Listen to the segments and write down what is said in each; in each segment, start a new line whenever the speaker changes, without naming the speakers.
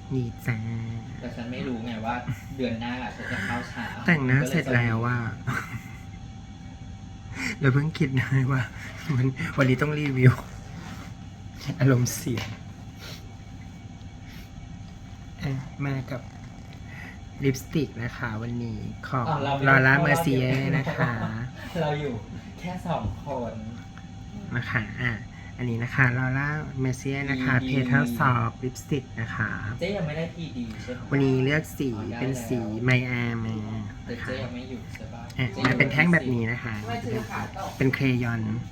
นี่จ้า
แต่ฉันไม่รู้ไงว่าเดือนหน้าฉันจะเข้าเช้า
แต่งหน้าเสร็จแล้วว่าเราเพิ่งคิดได้ว่าวันนี้ต้องรีวิวอารมณ์เสียมากับลิปสติกนะคะวันนี้ของลอร่าเมอร์เซียนะคะ
เราอยู่แค่2 คน
นะคะอันนี้นะคะลอร่าเมอร์เซียนะคะเพเทลซอฟลิปสติกนะคะ
เจ๊ยังไม่ได้พีดีใช่ไหม
วันนี้เลือกสีเป็นสีไมอาร์มา
แต่
นะคะ
เจ๊ยังไม่อยู่ใช่ป่ะ
มาเป็นแท่งแบบนี้นะคะ เป็นเครยอน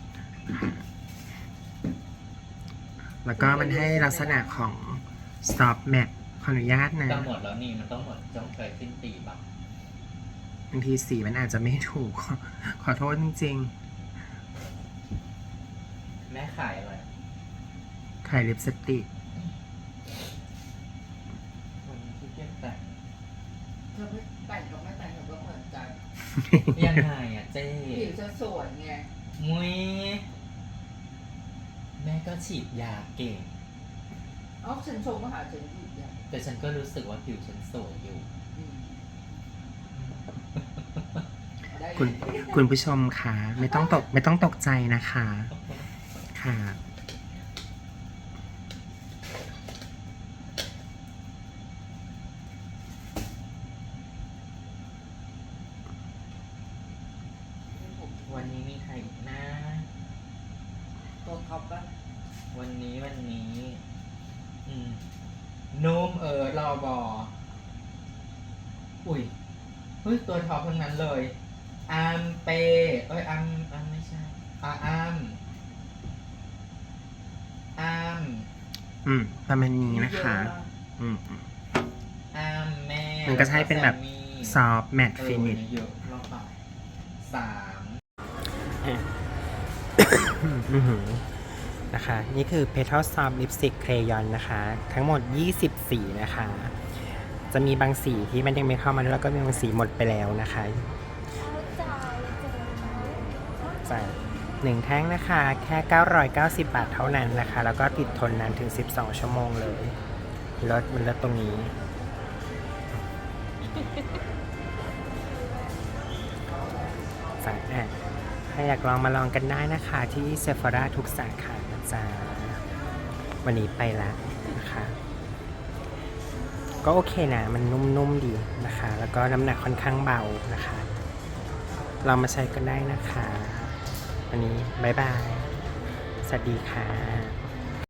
แล้วก็มันให้ลักษณะของซอฟแมทขออนุญาตนะ
จะหมดแล้วนี่มันต้องหมดจ้องเคยสิ้นปีป่ะ
บางทีสีมันอาจจะไม่ถูก ขอโทษจริง
แม่ขายอะไร
ๆขายลิปสติก
วันนี้ที่เกียจแต่ง
เธอไม่แต่งกับไม่แต่งก็เหมือนกัน
ยังไงอ่ะเจ๊
ผิวจะสวยไง
มุ้ยแม่ก็ฉีดยาเก่ง
เอาฉันชมว่าหาฉันผิดอย่าง
แต่ฉันก็รู้สึกว่าผิวฉันสวยอยู่
อืมได้
คุณผู้ชมค่ะไม่ต้องตกใจนะคะค่ะ
วันนี้มีใครอีกนะ
ตัวท็อปปะ
วันนี้นุ่มรอบออุ้ยเฮ้ยตัวท็อปทั้งนั้นเลยอัมเปอัมไม่ใช่อัม
ประมาณนี้นะคะ อืม
อัมแม่
มันก็ใช้เป็นแบบ ซอฟแมทฟินิช
เยอะรอบต่อ3
นะคะ นี่คือ Petal Soft Lipstick Crayon นะคะ ทั้งหมด 20 สีนะคะ จะมีบางสีที่มันยังไม่เข้ามาแล้วก็มีบางสีหมดไปแล้วนะคะจ่าย1แท่งนะคะ แค่ 990 บาทเท่านั้นนะคะ แล้วก็ติดทนนานถึง 12 ชั่วโมงเลยมันลดตรงนี้ ถ้าอยากลองมาลองกันได้นะคะที่ Sephora ทุกสาขานะจ๊ะวันนี้ไปแล้วนะคะ ก็โอเคนะมันนุ่มๆดีนะคะ แล้วก็น้ำหนักค่อนข้างเบานะคะลองมาใช้กันได้นะคะวันนี้บ๊ายบาย สวัสดีค่ะ